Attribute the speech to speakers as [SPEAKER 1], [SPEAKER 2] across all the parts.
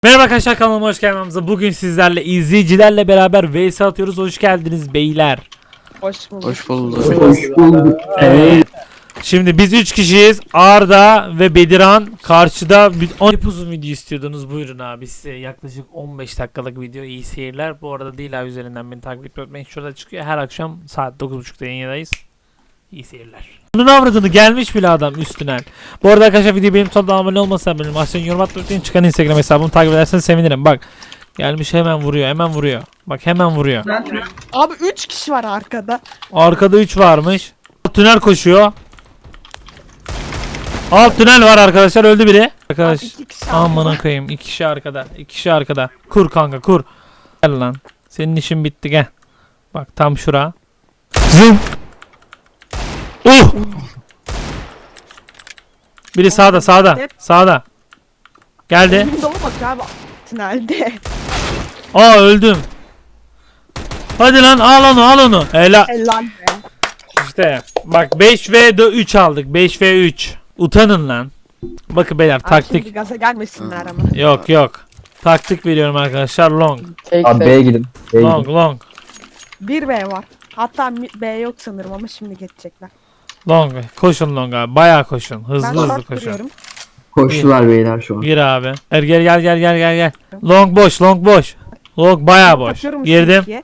[SPEAKER 1] Merhaba arkadaşlar, kanalıma hoş geldiniz. Bugün sizlerle izleyicilerle beraber vs atıyoruz. Hoş geldiniz beyler.
[SPEAKER 2] Hoş bulduk.
[SPEAKER 3] Hoş bulduk.
[SPEAKER 4] Hoş bulduk.
[SPEAKER 1] Evet. Şimdi biz 3 kişiyiz. Arda ve Bediran karşıda. 10 uzun video istiyordunuz. Buyurun abi, size yaklaşık 15 dakikalık video. İyi seyirler. Bu arada değil abi, üzerinden beni takip etmeyin. Şurada çıkıyor. Her akşam saat 9.30'da yayındayız. İyi seyirler. Bunun avradını gelmiş bile adam üstüne. Bu arada arkadaşlar, video benim sonunda abone olmasa benim aşağıya yorum atmayı, çıkan Instagram hesabımı takip ederseniz sevinirim. Bak gelmiş, hemen vuruyor, hemen vuruyor. Bak hemen vuruyor.
[SPEAKER 2] Abi 3 kişi var arkada.
[SPEAKER 1] Arkada 3 varmış. Alt tünel koşuyor. Alt tünel var arkadaşlar, öldü biri. Arkadaş
[SPEAKER 2] Abi 2 kişi
[SPEAKER 1] aman koyayım, 2 kişi arkada. 2 kişi arkada. Kur kanka, kur. Gel lan. Senin işin bitti, gel. Bak tam şura. Zım. Biri sağda, sağda. Sağda. Geldi.
[SPEAKER 2] Elimde olmak abi tünelde.
[SPEAKER 1] Aa, öldüm. Hadi lan, al onu, al onu. Helal.
[SPEAKER 2] Helal be.
[SPEAKER 1] İşte bak, 5 ve 3 aldık. 5 ve 3. Utanın lan. Bakın beyler,
[SPEAKER 2] Abi
[SPEAKER 1] taktik.
[SPEAKER 2] şimdi gaza gelmesinler ama.
[SPEAKER 1] Yok yok. Taktik veriyorum arkadaşlar. Long.
[SPEAKER 4] Abi B'ye gidin. B'ye
[SPEAKER 1] Long
[SPEAKER 4] gidin.
[SPEAKER 1] long.
[SPEAKER 2] 1 B var. Hatta B yok sanırım ama şimdi geçecekler.
[SPEAKER 1] Long. Koşun long abi. Bayağı koşun.
[SPEAKER 2] Ben
[SPEAKER 1] Hızlı hızlı
[SPEAKER 2] short
[SPEAKER 1] koşun.
[SPEAKER 2] duruyorum.
[SPEAKER 4] Koştular beyler şu an.
[SPEAKER 1] Gir abi. Gel. Long boş, long boş. Long bayağı boş.
[SPEAKER 2] Atıyorum
[SPEAKER 1] Girdim.
[SPEAKER 2] silkiye.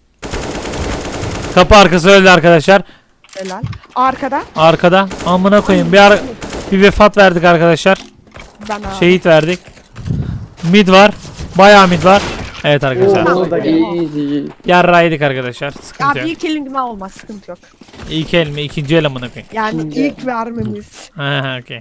[SPEAKER 1] Kapı arkası öldü arkadaşlar.
[SPEAKER 2] Helal. Arkada.
[SPEAKER 1] Arkada. Amına koyayım. Bir vefat verdik arkadaşlar.
[SPEAKER 2] Ben abi.
[SPEAKER 1] Şehit verdik. Mid var. Bayağı mid var. Evet arkadaşlar. Yarra yedik arkadaşlar. Sıkıntı
[SPEAKER 2] Abi
[SPEAKER 1] yok.
[SPEAKER 2] ilk elin olmaz, sıkıntı yok.
[SPEAKER 1] İlk el mi? İkinci el amına koyayım.
[SPEAKER 2] Yani ilk vermemiz.
[SPEAKER 1] Ha okey.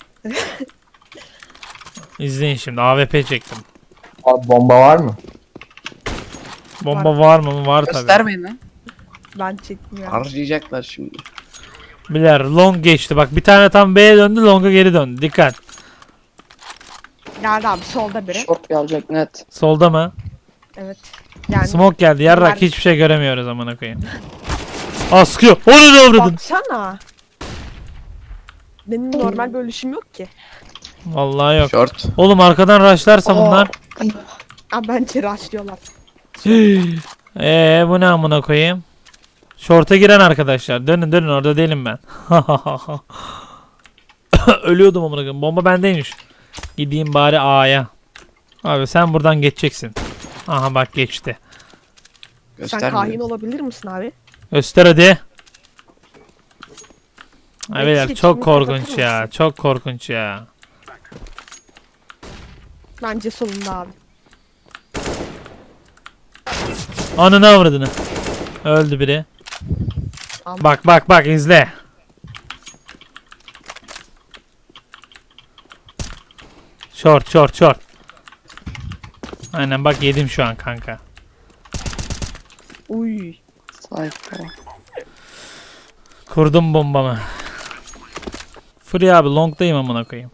[SPEAKER 1] İzleyin şimdi. AWP çektim.
[SPEAKER 4] Abi bomba var mı?
[SPEAKER 1] Bomba var mı? Var tabi.
[SPEAKER 3] Göstermeyin lan.
[SPEAKER 2] Ben çekmiyorum.
[SPEAKER 3] Harcayacaklar şimdi.
[SPEAKER 1] Biler long geçti. Bak bir tane tam B'ye döndü, long'a geri döndü. Dikkat.
[SPEAKER 2] Geldi abi solda biri.
[SPEAKER 3] Short gelecek net.
[SPEAKER 1] Solda mı?
[SPEAKER 2] Evet. Yani
[SPEAKER 1] Smoke geldi. Yarrak
[SPEAKER 2] Var.
[SPEAKER 1] hiçbir şey göremiyoruz amına koyayım. Askıyor. Onu da vurdun.
[SPEAKER 2] baksana. Benim normal bir ölüşüm yok ki.
[SPEAKER 1] Vallahi yok.
[SPEAKER 3] Short.
[SPEAKER 1] Oğlum arkadan rushlarsa bunlar.
[SPEAKER 2] Abi bence rushlıyorlar.
[SPEAKER 1] Bu ne amına koyayım? Short'a giren arkadaşlar. Dönün orada değilim ben. Ölüyordum amına koyayım. Bomba bendeymiş. Gideyim bari A'ya. Abi sen buradan geçeceksin. Aha bak geçti.
[SPEAKER 2] Sen kahin
[SPEAKER 3] Göstermeyin.
[SPEAKER 2] olabilir misin abi?
[SPEAKER 1] Göster hadi. Ay beyler,
[SPEAKER 2] Eksik,
[SPEAKER 1] çok
[SPEAKER 2] bunu
[SPEAKER 1] korkunç
[SPEAKER 2] kapatır
[SPEAKER 1] ya.
[SPEAKER 2] mısın?
[SPEAKER 1] Çok korkunç ya.
[SPEAKER 2] Bence solunda abi.
[SPEAKER 1] Ananı avradını. Öldü biri.
[SPEAKER 2] Ama-
[SPEAKER 1] Bak izle. Short. Aynen bak, yedim şu an kanka.
[SPEAKER 2] Uy.
[SPEAKER 3] Sayfa.
[SPEAKER 1] Kurdum bombamı. Free abi, long'dayım amına koyayım.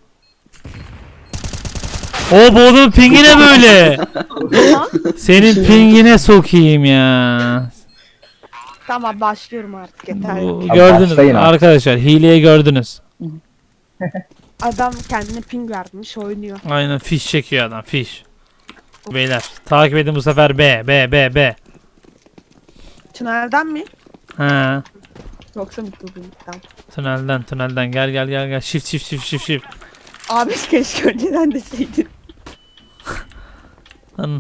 [SPEAKER 1] O bu adamın pingi ne böyle? Senin pingine sokayım ya.
[SPEAKER 2] Tamam başlıyorum artık yeter.
[SPEAKER 1] Bu,
[SPEAKER 4] Abi
[SPEAKER 1] gördünüz
[SPEAKER 4] başlayın abi.
[SPEAKER 1] arkadaşlar, hileyi gördünüz.
[SPEAKER 2] Adam kendine ping vermiş oynuyor.
[SPEAKER 1] Aynen, fiş çekiyor adam, fiş. Beyler takip edin bu sefer, B.
[SPEAKER 2] Tünelden mi?
[SPEAKER 1] Ha,
[SPEAKER 2] Yoksa mutluluktan.
[SPEAKER 1] tünelden gel. Shift.
[SPEAKER 2] Abi keşke önceden deseydin.
[SPEAKER 1] Lan.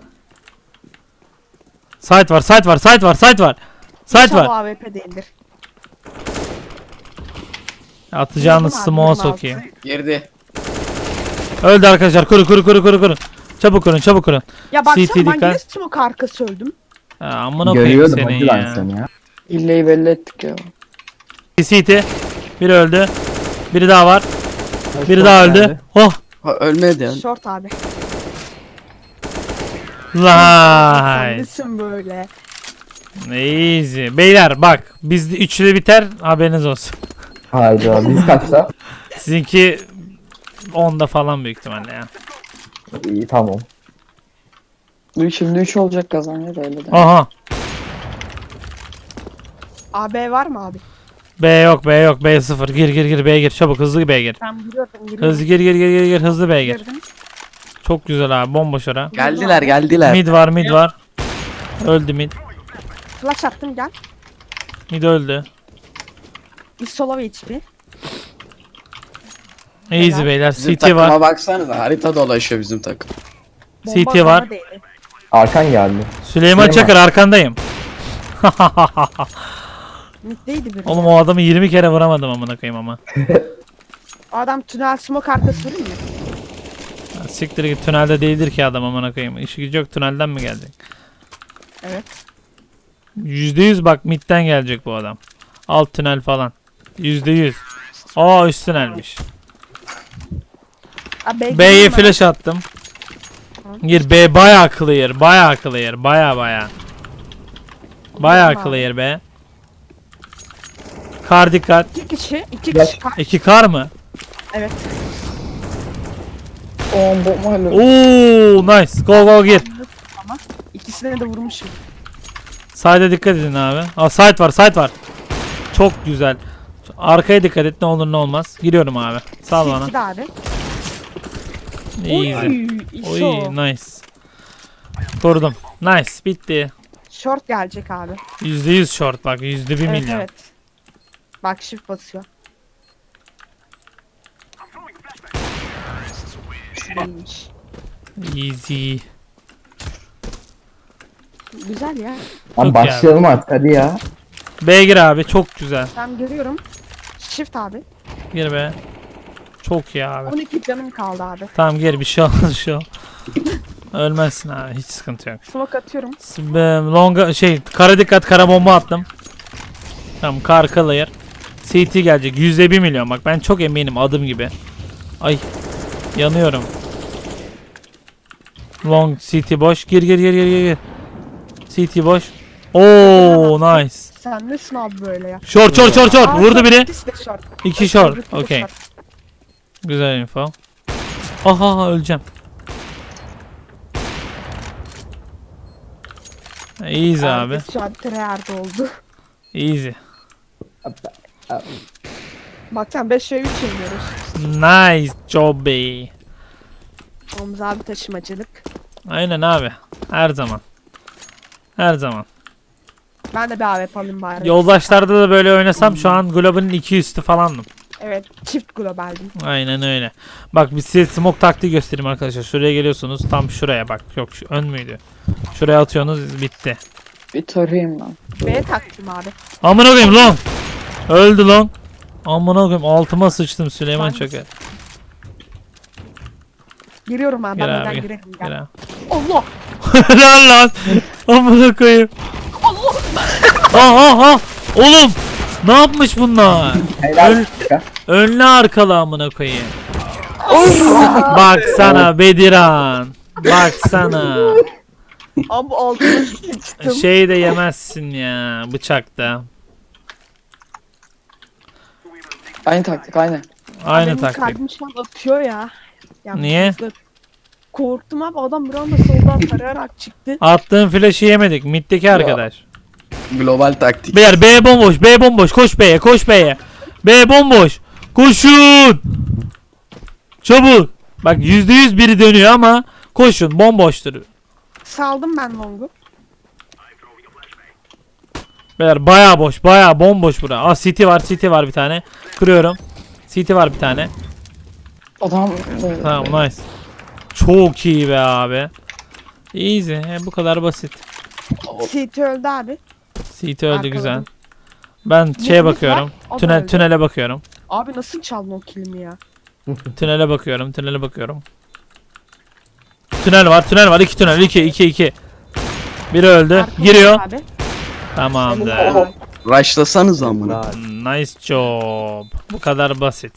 [SPEAKER 1] Site var. Site
[SPEAKER 2] İnşallah
[SPEAKER 1] var.
[SPEAKER 2] AWP değildir.
[SPEAKER 1] Atacağınız
[SPEAKER 2] Vurdum abi,
[SPEAKER 1] smoke'a
[SPEAKER 2] vurdum
[SPEAKER 1] sokayım.
[SPEAKER 2] altı.
[SPEAKER 3] Girdi.
[SPEAKER 1] Öldü arkadaşlar. Kurun. Çabuk kurun.
[SPEAKER 2] Ya baksana
[SPEAKER 1] CT
[SPEAKER 2] ben
[SPEAKER 1] dikkat.
[SPEAKER 2] yine smoke arkası öldüm.
[SPEAKER 1] Amına koyayım
[SPEAKER 4] Görüyordum
[SPEAKER 1] senin
[SPEAKER 4] hacı ben
[SPEAKER 1] ya.
[SPEAKER 4] seni ya.
[SPEAKER 3] İlleyi belli ettik ya.
[SPEAKER 1] CT. Biri öldü. Biri daha var. Biri daha öldü. Oh.
[SPEAKER 3] Ha, ölmedi yani.
[SPEAKER 2] Short abi.
[SPEAKER 1] Lay.
[SPEAKER 2] Sen nesin böyle?
[SPEAKER 1] Easy. Beyler bak, bizde üçlü biter, haberiniz olsun.
[SPEAKER 4] Hayda biz kaçta?
[SPEAKER 1] Sizinki 10'da falan büyük ihtimalle ya.
[SPEAKER 4] İyi tamam.
[SPEAKER 3] Bu şimdi 3 olacak kazanıyor öyle de.
[SPEAKER 1] Aha.
[SPEAKER 2] AB var mı abi?
[SPEAKER 1] B yok. B 0. Gir B'ye gir. Çabuk hızlı B'ye gir.
[SPEAKER 2] Ben biliyorum.
[SPEAKER 1] Hızlı gir. Hızlı B'ye gir.
[SPEAKER 2] Girdim.
[SPEAKER 1] Çok güzel abi. Bomboş ara.
[SPEAKER 5] Geldiler geldiler.
[SPEAKER 1] Mid var, mid var. Öldü mid.
[SPEAKER 2] Flash attım gel.
[SPEAKER 1] Mid öldü.
[SPEAKER 2] Bir sola ve HP.
[SPEAKER 1] Easy
[SPEAKER 2] Helal.
[SPEAKER 1] beyler.
[SPEAKER 5] Bizim
[SPEAKER 1] CT
[SPEAKER 5] takıma
[SPEAKER 1] var.
[SPEAKER 5] baksanıza, harita dolaşıyor bizim takım.
[SPEAKER 2] Bomba
[SPEAKER 1] CT var.
[SPEAKER 2] bana değdi.
[SPEAKER 4] Arkan geldi.
[SPEAKER 1] Süleyman Çakır arkandayım.
[SPEAKER 2] Middeydi biri.
[SPEAKER 1] Oğlum o adamı 20 kere vuramadım amına koyayım ama.
[SPEAKER 2] O adam tünel smoke arkası değil mi?
[SPEAKER 1] Ya siktir git, tünelde değildir ki adam amına koyayım. İşi gücü yok, tünelden mi gelecek?
[SPEAKER 2] Evet.
[SPEAKER 1] %100 bak midden gelecek bu adam. Alt tünel falan. %100. Aa üst tünelmiş.
[SPEAKER 2] Abi,
[SPEAKER 1] B'ye flash attım. Gir B bayağı clear, bayağı clear, bayağı. Bayağı clear be. Kar dikkat.
[SPEAKER 2] İki kişi. İki
[SPEAKER 4] Gel.
[SPEAKER 2] kişi.
[SPEAKER 1] 2 kar mı?
[SPEAKER 2] Evet.
[SPEAKER 3] Bomba hala.
[SPEAKER 1] Oo nice. Go gir.
[SPEAKER 2] İkisine de vurmuşum.
[SPEAKER 1] Side'e dikkat edin abi. Aa side var. Çok güzel. Arkaya dikkat et, ne olur ne olmaz. Giriyorum abi. Sal bana.
[SPEAKER 2] CT de abi.
[SPEAKER 1] Easy.
[SPEAKER 2] Oy.
[SPEAKER 1] Oy nice. Kurdum. Nice bitti.
[SPEAKER 2] Short gelecek abi.
[SPEAKER 1] %100 short bak, %1
[SPEAKER 2] Evet
[SPEAKER 1] milyon.
[SPEAKER 2] evet. Bak shift basıyor. İyiymiş.
[SPEAKER 1] Easy.
[SPEAKER 2] Güzel ya.
[SPEAKER 4] Abi
[SPEAKER 1] Çok
[SPEAKER 4] başlayalım artık hadi ya.
[SPEAKER 1] B gir abi, çok güzel.
[SPEAKER 2] Ben görüyorum. Shift abi.
[SPEAKER 1] Gir be. Çok iyi abi.
[SPEAKER 2] 12 canım kaldı abi.
[SPEAKER 1] Tamam gir, bir şey olmaz şu. Ölmezsin abi, hiç sıkıntı yok.
[SPEAKER 2] Smoke atıyorum.
[SPEAKER 1] Longa kara dikkat, kara bomba attım. Tamam kar clear. CT gelecek %1 milyon, bak ben çok eminim adım gibi. Ay yanıyorum. Long CT boş, gir. CT boş. Oo nice.
[SPEAKER 2] Sen nesin abi böyle ya?
[SPEAKER 1] Short
[SPEAKER 2] Aa,
[SPEAKER 1] vurdu
[SPEAKER 2] short,
[SPEAKER 1] biri.
[SPEAKER 2] ikisi de short.
[SPEAKER 1] 2 short.
[SPEAKER 2] Öbürkü de
[SPEAKER 1] Okey.
[SPEAKER 2] short.
[SPEAKER 1] Güzel info. Aha öleceğim. Easy abi.
[SPEAKER 2] Herkes şu an tryhard oldu.
[SPEAKER 1] Easy.
[SPEAKER 2] Bak sen 5 ve 3 yeniyoruz.
[SPEAKER 1] Nice job be.
[SPEAKER 2] Omuz abi taşımacılık.
[SPEAKER 1] Aynen abi. Her zaman. Her zaman.
[SPEAKER 2] Ben de bir AWP alayım bari.
[SPEAKER 1] Yoldaşlarda da böyle oynasam şu an Global'in 2 üstü falandım.
[SPEAKER 2] Evet çift globaldim.
[SPEAKER 1] Aynen öyle. Bak bir size smoke taktiği göstereyim arkadaşlar. Şuraya geliyorsunuz. Tam şuraya bak. Yok şu ön müydü? Şuraya atıyorsunuz, bitti.
[SPEAKER 3] Bir tarayayım ben.
[SPEAKER 2] B'ye taktım abi.
[SPEAKER 1] Amına koyayım long. Öldü long. Amına koyayım altıma sıçtım Süleyman
[SPEAKER 2] Ben-
[SPEAKER 1] Çakır.
[SPEAKER 2] Giriyorum abi.
[SPEAKER 1] Gel
[SPEAKER 2] Ben
[SPEAKER 1] abi,
[SPEAKER 2] neden
[SPEAKER 1] gel.
[SPEAKER 2] girelim
[SPEAKER 1] Gel
[SPEAKER 2] gel.
[SPEAKER 1] abi.
[SPEAKER 2] Allah!
[SPEAKER 1] Helal lan. Amına koyayım. Aha. Oğlum. Ne yapmış bunlar?
[SPEAKER 4] Helal.
[SPEAKER 1] Önlü arkalı amına koyayım. Baksana Bediran. Baksana.
[SPEAKER 2] Abi altıma sıçtım.
[SPEAKER 1] Şey de yemezsin ya bıçakta.
[SPEAKER 3] Aynı taktik aynı.
[SPEAKER 1] Aynı
[SPEAKER 2] Benim
[SPEAKER 1] taktik.
[SPEAKER 2] kalbim şu an atıyor ya.
[SPEAKER 1] Niye?
[SPEAKER 2] hızlı. Korktum abi adam bir anda soldan tarayarak çıktı.
[SPEAKER 1] Attığın flash'ı yemedik. Mid'deki arkadaş.
[SPEAKER 5] Global taktik.
[SPEAKER 1] Beyler B bomboş. B bomboş. Koş B'ye. Koş B'ye. B bomboş. Koşun. Çabuk. Bak %100 biri dönüyor ama koşun. Bomboştur.
[SPEAKER 2] Saldım ben longu.
[SPEAKER 1] Beyler baya boş. Baya bomboş bura. Aa CT var bir tane. Kırıyorum. CT var bir tane.
[SPEAKER 3] Adam
[SPEAKER 1] Tamam nice. Çok iyi be abi. Easy. Bu kadar basit.
[SPEAKER 2] CT öldü abi.
[SPEAKER 1] CT öldü
[SPEAKER 2] Arkaladım.
[SPEAKER 1] güzel. Ben şeye
[SPEAKER 2] Mid'imiz
[SPEAKER 1] bakıyorum.
[SPEAKER 2] var, o da öldü.
[SPEAKER 1] Tünele bakıyorum.
[SPEAKER 2] Abi nasıl çaldın o kilimi ya?
[SPEAKER 1] Tünele bakıyorum. Tünel var. 2 tünel. 2. Biri öldü.
[SPEAKER 2] Arkamda
[SPEAKER 1] Giriyor.
[SPEAKER 2] Abi.
[SPEAKER 1] Tamamdır.
[SPEAKER 2] Helal.
[SPEAKER 5] Rushlasanız amına.
[SPEAKER 1] Nice job. Bu kadar basit.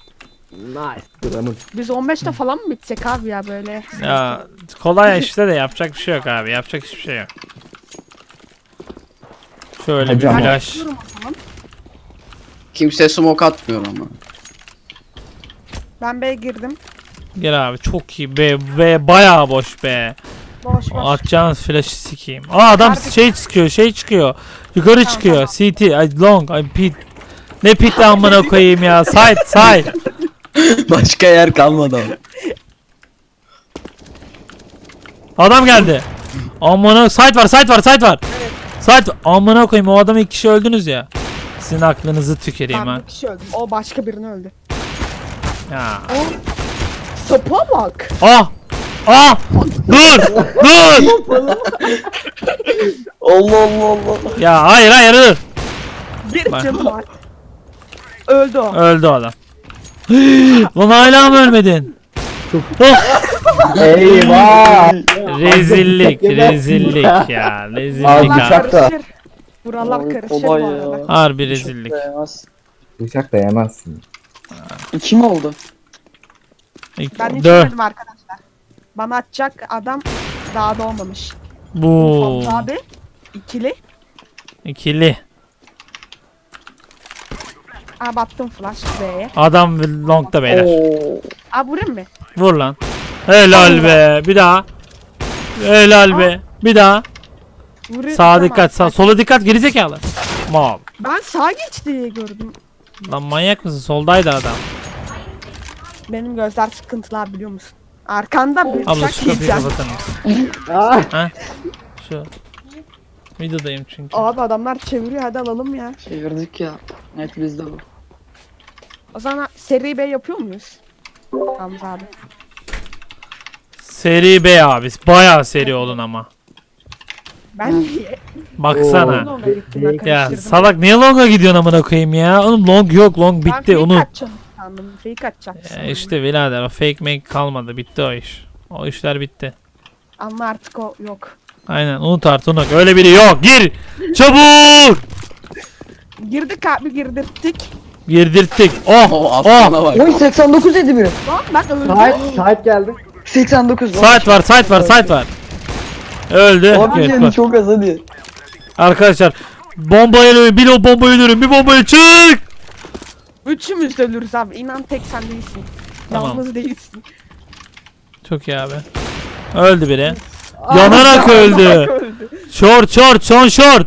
[SPEAKER 2] Biz 15'te falan mı bitsek abi ya böyle?
[SPEAKER 1] Ya kolay işte de yapacak bir şey yok abi. Yapacak hiçbir şey yok. Şöyle bir
[SPEAKER 4] Hocam.
[SPEAKER 1] flash.
[SPEAKER 2] Bakıyorum o zaman.
[SPEAKER 5] Kimse smoke atmıyor ama.
[SPEAKER 2] Ben B'ye girdim.
[SPEAKER 1] Gel abi çok iyi. B bayağı boş be.
[SPEAKER 2] Boş boş.
[SPEAKER 1] Atacağınız flash'ı sikeyim. Aa adam şey çıkıyor. Yukarı
[SPEAKER 2] Tamam,
[SPEAKER 1] çıkıyor.
[SPEAKER 2] tamam.
[SPEAKER 1] CT, ay long, ay pit. Ne pit amına koyayım ya. Side.
[SPEAKER 5] Başka yer kalmadı ama.
[SPEAKER 1] Adam geldi. Amına site var. Site amına koyayım o adamı 2 kişi öldünüz ya. Sizin aklınızı tüküreyim
[SPEAKER 2] Ben
[SPEAKER 1] ha.
[SPEAKER 2] bir kişi öldüm. O başka birini öldü.
[SPEAKER 1] Ya.
[SPEAKER 2] O sapa bak.
[SPEAKER 1] Ah! Ah! Dur! Dur!
[SPEAKER 3] Allah Allah Allah.
[SPEAKER 1] Ya hayır dur.
[SPEAKER 2] Bir
[SPEAKER 1] Bak.
[SPEAKER 2] canı var. Öldü o.
[SPEAKER 1] Öldü o adam. Lan hala mı ölmedin? Oh!
[SPEAKER 4] Eyvah.
[SPEAKER 1] Rezillik ya. Rezillik
[SPEAKER 4] Abi,
[SPEAKER 1] abi.
[SPEAKER 4] bıçak da.
[SPEAKER 2] Karışır. Buralar
[SPEAKER 3] Abi,
[SPEAKER 2] karışır bu
[SPEAKER 3] kolay
[SPEAKER 2] arada.
[SPEAKER 3] ya.
[SPEAKER 1] Harbi rezillik.
[SPEAKER 3] Çok dayanmaz.
[SPEAKER 4] Bıçak da yemezsin.
[SPEAKER 3] 2 mi oldu?
[SPEAKER 2] Ben hiç
[SPEAKER 1] Dö.
[SPEAKER 2] ölmedim arkadaşlar. Bana atacak adam daha doğmamış.
[SPEAKER 1] Bu.
[SPEAKER 2] Fanta abi. İkili.
[SPEAKER 1] İkili.
[SPEAKER 2] Abi attım flash B'ye.
[SPEAKER 1] Adam longda beyler.
[SPEAKER 3] Oo.
[SPEAKER 2] Abi vurayım mı?
[SPEAKER 1] Vur lan. Helal be. Bir daha. Helal be. Bir daha.
[SPEAKER 2] Vurayım.
[SPEAKER 1] Sağa dikkat. Sola dikkat. Gerizekalı. Mal.
[SPEAKER 2] Ben sağa geçti diye gördüm.
[SPEAKER 1] Lan manyak mısın? Soldaydı adam.
[SPEAKER 2] Benim gözler sıkıntılı abi biliyor musun? Arkanda bir
[SPEAKER 1] Abla
[SPEAKER 2] bıçak
[SPEAKER 1] şu kapıyı
[SPEAKER 2] yiyeceğim.
[SPEAKER 1] kapatır mısın? Ha? Şu. Videodayım çünkü.
[SPEAKER 2] Abi adamlar çeviriyor hadi alalım ya.
[SPEAKER 3] Çevirdik ya. Net bizde bu.
[SPEAKER 2] O zaman seri B yapıyor muyuz? Hamza abi.
[SPEAKER 1] Seri B abi. Bayağı seri olun ama.
[SPEAKER 2] Ben niye?
[SPEAKER 1] Baksana.
[SPEAKER 2] Longa gittim ben
[SPEAKER 1] Ya
[SPEAKER 2] karıştırdım.
[SPEAKER 1] salak niye longa gidiyorsun amına koyayım ya? Oğlum long yok. Long
[SPEAKER 2] Ben
[SPEAKER 1] bitti.
[SPEAKER 2] fake
[SPEAKER 1] Onu.
[SPEAKER 2] atacağım sandım. Fake atacağım sandım.
[SPEAKER 1] İşte birader o fake make kalmadı. Bitti o iş. O işler bitti.
[SPEAKER 2] Ama artık o yok.
[SPEAKER 1] Aynen unut artık unut. Öyle biri yok. Gir. Çabuk.
[SPEAKER 2] Girdik abi girdirttik.
[SPEAKER 1] Girdirttik. Oh.
[SPEAKER 5] O
[SPEAKER 1] Oh.
[SPEAKER 5] aslana bak.
[SPEAKER 3] Oy 89 dedi biri.
[SPEAKER 2] Lan ben öldüm.
[SPEAKER 4] Sahip geldi.
[SPEAKER 3] 89.
[SPEAKER 1] Site var. Site var. Öldü.
[SPEAKER 3] Abi
[SPEAKER 1] Evet,
[SPEAKER 3] yani
[SPEAKER 1] bak.
[SPEAKER 3] çok az hadi.
[SPEAKER 1] Arkadaşlar bombayı ölüyorum. Bir bombayı ölüyorum. Bir bombayı çık.
[SPEAKER 2] Üçümüz de ölürüz abi. İnan tek sen değilsin.
[SPEAKER 1] Tamam.
[SPEAKER 2] Yalnız değilsin.
[SPEAKER 1] Çok iyi abi. Öldü biri. Yanarak öldü.
[SPEAKER 2] öldü.
[SPEAKER 1] Short son short.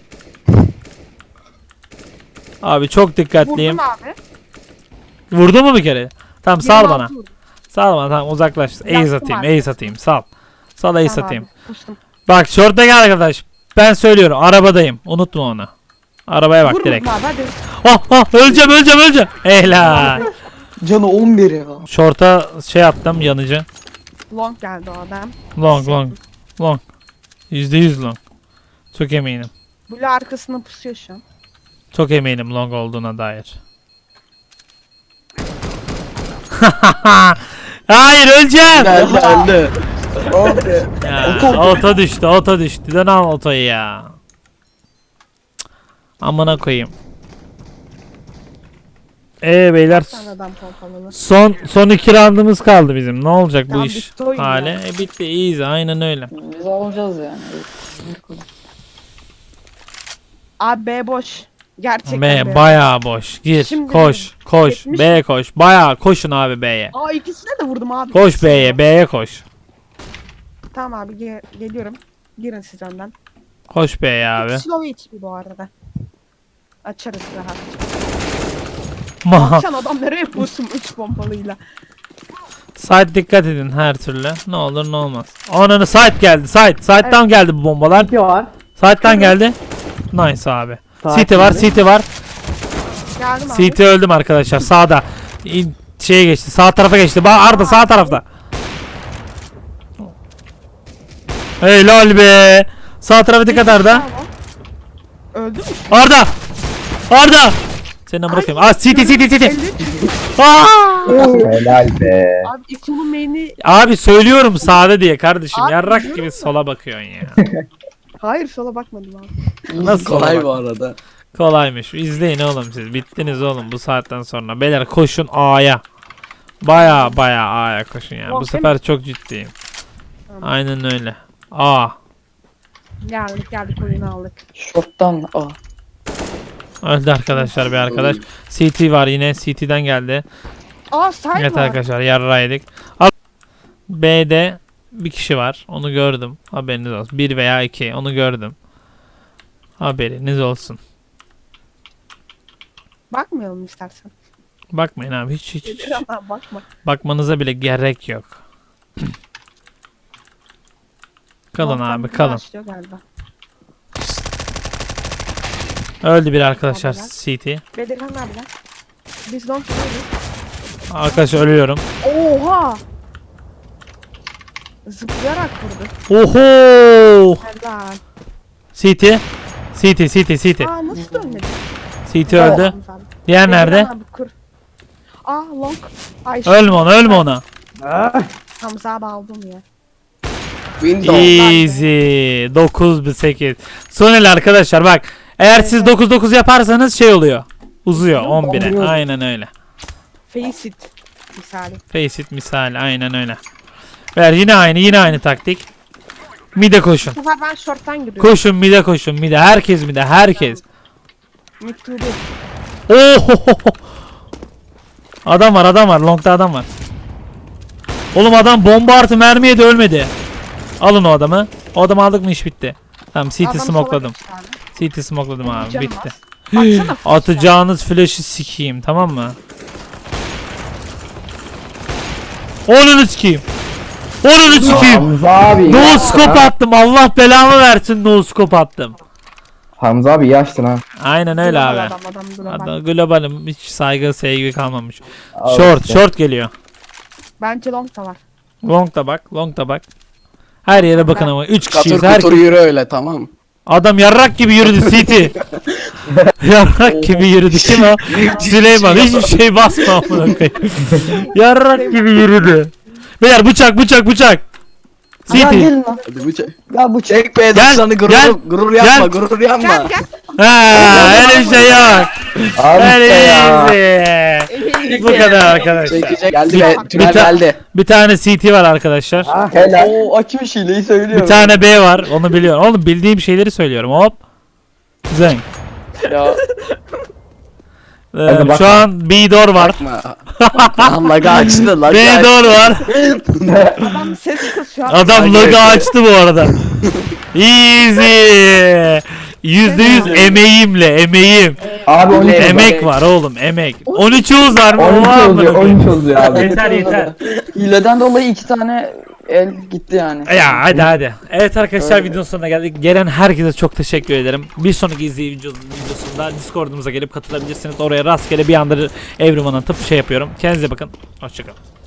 [SPEAKER 1] Abi çok dikkatliyim.
[SPEAKER 2] Vurdum abi.
[SPEAKER 1] Vurdu mu bir kere? Tamam sal
[SPEAKER 2] 26
[SPEAKER 1] bana.
[SPEAKER 2] vurdum.
[SPEAKER 1] Sal bana tamam uzaklaş. Ace
[SPEAKER 2] Yaktım
[SPEAKER 1] atayım.
[SPEAKER 2] abi.
[SPEAKER 1] Ace atayım. Sal. Sal ace
[SPEAKER 2] Tamam
[SPEAKER 1] atayım.
[SPEAKER 2] abi, pustum.
[SPEAKER 1] Bak short'a gel arkadaş. Ben söylüyorum arabadayım. Unutma onu. Arabaya bak
[SPEAKER 2] Vur
[SPEAKER 1] direkt.
[SPEAKER 2] vurdum abi hadi.
[SPEAKER 1] Öleceğim. Helal.
[SPEAKER 3] Canı 11 ya.
[SPEAKER 1] Short'a şey attım yanıcı.
[SPEAKER 2] Long geldi o adam.
[SPEAKER 1] Long. %100 long. Çok eminim.
[SPEAKER 2] Blue arkasına pusuyor şu an.
[SPEAKER 1] Çok eminim long olduğuna dair. Hayır öleceğim.
[SPEAKER 5] Geldi.
[SPEAKER 3] Abi.
[SPEAKER 1] Ya, oto düştü. Dön al otoyu ya. Amına koyayım. Beyler
[SPEAKER 2] Sen adam pompalı.
[SPEAKER 1] son 2 roundumuz kaldı bizim. Ne olacak bu
[SPEAKER 2] Tamam,
[SPEAKER 1] iş
[SPEAKER 2] bitti oyun
[SPEAKER 1] hali?
[SPEAKER 2] ya.
[SPEAKER 1] Bitti easy aynen öyle.
[SPEAKER 3] Biz alacağız yani.
[SPEAKER 2] Abi B boş. Gerçekten
[SPEAKER 1] B bayağı boş. Gir
[SPEAKER 2] Şimdi
[SPEAKER 1] koş.
[SPEAKER 2] yetmiş
[SPEAKER 1] B koş. Bayağı koşun abi B'ye.
[SPEAKER 2] Aa ikisine de vurdum abi.
[SPEAKER 1] Koş B'ye koş.
[SPEAKER 2] Tamam abi geliyorum. Girin siz önden.
[SPEAKER 1] Koş B'ye abi.
[SPEAKER 2] Slow HP bu arada. Açarız rahat.
[SPEAKER 1] Ma
[SPEAKER 2] Sen adam nereye pusun 3 pompalıyla.
[SPEAKER 1] Side dikkat edin her türlü. Ne olur ne olmaz. Ananı side geldi. Side'dan geldi bu bombalar.
[SPEAKER 4] İki var.
[SPEAKER 1] Side'dan geldi. Nice abi.
[SPEAKER 4] Side
[SPEAKER 1] CT var,
[SPEAKER 4] geldi.
[SPEAKER 1] CT var.
[SPEAKER 2] Geldim abi.
[SPEAKER 1] CT öldüm arkadaşlar. Sağda. Şeye geçti. Sağ tarafa geçti. Arda sağ tarafta. Helal be. Sağ tarafa dikkat Arda.
[SPEAKER 2] Öldü mü?
[SPEAKER 1] Arda. Seni bırakayım. CT.
[SPEAKER 2] 53.
[SPEAKER 1] Aa!
[SPEAKER 4] Helal be.
[SPEAKER 2] Abi İso'nun main'i...
[SPEAKER 1] Abi söylüyorum sağda diye kardeşim.
[SPEAKER 2] Abi
[SPEAKER 1] Yarrak
[SPEAKER 2] biliyorum
[SPEAKER 1] gibi
[SPEAKER 2] da.
[SPEAKER 1] sola bakıyorsun ya.
[SPEAKER 2] Hayır sola bakmadım abi.
[SPEAKER 1] Nasıl
[SPEAKER 5] Kolay
[SPEAKER 1] bak?
[SPEAKER 5] bu arada.
[SPEAKER 1] Kolaymış. İzleyin oğlum siz. Bittiniz oğlum bu saatten sonra. Beyler koşun A'ya. Baya A'ya koşun ya. Bu
[SPEAKER 2] Bakın.
[SPEAKER 1] sefer çok ciddiyim.
[SPEAKER 2] Tamam.
[SPEAKER 1] Aynen öyle. A.
[SPEAKER 2] Geldik oyunu aldık.
[SPEAKER 3] Short'tan A.
[SPEAKER 1] Öldü arkadaşlar bir arkadaş. CT var yine. CT'den geldi.
[SPEAKER 2] Aa side
[SPEAKER 1] Evet
[SPEAKER 2] var.
[SPEAKER 1] arkadaşlar yarraydık. B'de bir kişi var. Onu gördüm. Haberiniz olsun. 1 veya 2. Onu gördüm. Haberiniz olsun.
[SPEAKER 2] Bakmayalım istersen.
[SPEAKER 1] Bakmayın abi hiç.
[SPEAKER 2] Gelir ama bakma.
[SPEAKER 1] Bakmanıza bile gerek yok. Kalın
[SPEAKER 2] Long'dan
[SPEAKER 1] abi
[SPEAKER 2] bir
[SPEAKER 1] kalın.
[SPEAKER 2] başlıyor galiba.
[SPEAKER 1] Öldü bir arkadaşlar
[SPEAKER 2] Tamam,
[SPEAKER 1] CT.
[SPEAKER 2] Bedirhan abiler. Biz long gidiyoruz.
[SPEAKER 1] Arkadaşlar ölüyorum.
[SPEAKER 2] Oha! Zıplayarak vurdu.
[SPEAKER 1] Oho!
[SPEAKER 2] Helal.
[SPEAKER 1] CT. CT.
[SPEAKER 2] Aa nasıl dönmedi?
[SPEAKER 1] CT öldü. Diğer nerede?
[SPEAKER 2] Bedirhan abi kur. Aa long. Ay
[SPEAKER 1] Ölme ona.
[SPEAKER 2] Hamza abi aldım ya.
[SPEAKER 5] Windows.
[SPEAKER 1] Easy. 9-8. Son el arkadaşlar bak. Eğer siz 9-9 yaparsanız şey oluyor. Uzuyor 11'e. Aynen öyle.
[SPEAKER 2] Face it. Misali.
[SPEAKER 1] Face it misali aynen öyle. Ver yine aynı taktik. Mide koşun.
[SPEAKER 2] Bu sefer ben short'tan giriyorum.
[SPEAKER 1] Koşun mide. Herkes mide. Herkes.
[SPEAKER 2] Mid to the.
[SPEAKER 1] Oho. Adam var. Long'da adam var. Oğlum adam bomba artı mermiye de ölmedi. Alın o adamı. O adamı aldık mı iş bitti. Tamam CT
[SPEAKER 2] Adam
[SPEAKER 1] smokeladım.
[SPEAKER 2] sola geçti abi.
[SPEAKER 1] CT smokeladım abi
[SPEAKER 2] Canım
[SPEAKER 1] bitti.
[SPEAKER 2] az. Baksana flash'a.
[SPEAKER 1] Atacağınız flash'ı sikeyim tamam mı? Onu sikeyim.
[SPEAKER 4] Hamza abi.
[SPEAKER 1] No scope attım. Allah belamı versin no scope attım.
[SPEAKER 4] Hamza abi iyi açtın ha.
[SPEAKER 1] Aynen öyle
[SPEAKER 2] Global
[SPEAKER 1] abi.
[SPEAKER 2] Adam global.
[SPEAKER 1] Adam globalim hiç saygı sevgi kalmamış.
[SPEAKER 4] Al işte.
[SPEAKER 1] Short geliyor.
[SPEAKER 2] Bence long da var.
[SPEAKER 1] Long da bak. Her yere bakın ama 3 kişiyiz.
[SPEAKER 5] Katır kutur yürü öyle tamam.
[SPEAKER 1] Adam yarrak gibi yürüdü City. Yarrak gibi yürüdü. Kim o? Süleyman. Hiçbir şey basma amına koyayım. Yarrak gibi yürüdü. Beyler bıçak.
[SPEAKER 3] Ya
[SPEAKER 1] City.
[SPEAKER 3] gelin lan.
[SPEAKER 5] Hadi bu
[SPEAKER 3] Ya bu
[SPEAKER 5] çek be
[SPEAKER 1] Gel,
[SPEAKER 5] sana
[SPEAKER 1] gel,
[SPEAKER 5] gurur yapma
[SPEAKER 1] gel.
[SPEAKER 5] gurur yapma.
[SPEAKER 2] Gel gel.
[SPEAKER 1] Ha, öyle bir şey yok.
[SPEAKER 4] Abi işte ya.
[SPEAKER 1] Easy. Bu kadar arkadaşlar.
[SPEAKER 5] Çekecek. Geldi
[SPEAKER 2] Bir
[SPEAKER 5] be
[SPEAKER 2] ta-
[SPEAKER 5] tünel geldi.
[SPEAKER 1] Bir tane CT var arkadaşlar.
[SPEAKER 4] Ah helal.
[SPEAKER 3] O açmış hileyi söylüyor.
[SPEAKER 1] Bir tane B var. Onu biliyorum. Oğlum bildiğim şeyleri söylüyorum. Hop. Zeng.
[SPEAKER 3] Ya
[SPEAKER 4] Hadi
[SPEAKER 1] Şu
[SPEAKER 4] bakma.
[SPEAKER 1] an B-door var.
[SPEAKER 5] Bakma. Lan laga açtı laga açtı.
[SPEAKER 1] B-door var.
[SPEAKER 2] Adam ses kısıyor.
[SPEAKER 1] Adam logo açtı bu arada. Easy. %100 emeğim.
[SPEAKER 4] Abi 12 oldu.
[SPEAKER 1] Emek var oğlum emek. 13 var mı?
[SPEAKER 4] 12
[SPEAKER 1] Oha,
[SPEAKER 4] oluyor.
[SPEAKER 1] amına
[SPEAKER 4] 13 oluyor abi.
[SPEAKER 1] Yeter.
[SPEAKER 3] hileden dolayı 2 tane el gitti yani.
[SPEAKER 1] Ya hadi. Evet arkadaşlar videonun sonuna geldik. Gelen herkese çok teşekkür ederim. Bir sonraki videosunda Discord'umuza gelip katılabilirsiniz. Oraya rastgele bir anda Everyone'a atıp şey yapıyorum. Kendinize bakın. Hoşçakalın.